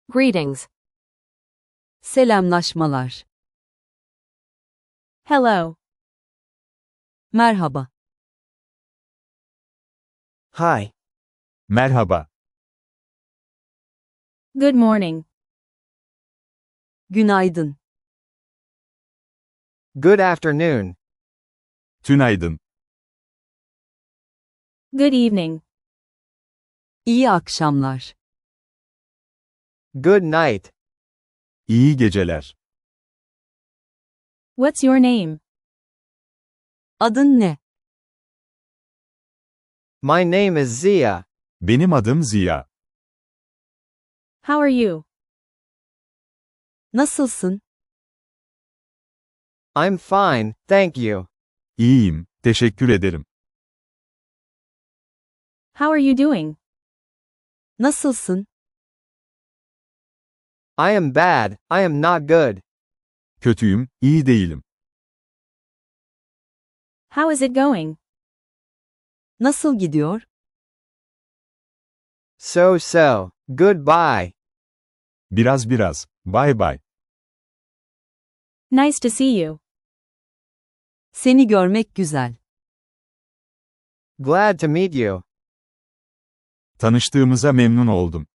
Greetings. Selamlaşmalar. Hello. Merhaba. Hi. Merhaba. Good morning. Günaydın. Good afternoon. Tünaydın. Good evening. İyi akşamlar. Good night. İyi geceler. What's your name? Adın ne? My name is Zia. Benim adım Ziya. How are you? Nasılsın? I'm fine, thank you. İyiyim, teşekkür ederim. How are you doing? Nasılsın? I am bad, I am not good. Kötüyüm, iyi değilim. How is it going? Nasıl gidiyor? So. Goodbye. Biraz. Bye bye. Nice to see you. Seni görmek güzel. Glad to meet you. Tanıştığımıza memnun oldum.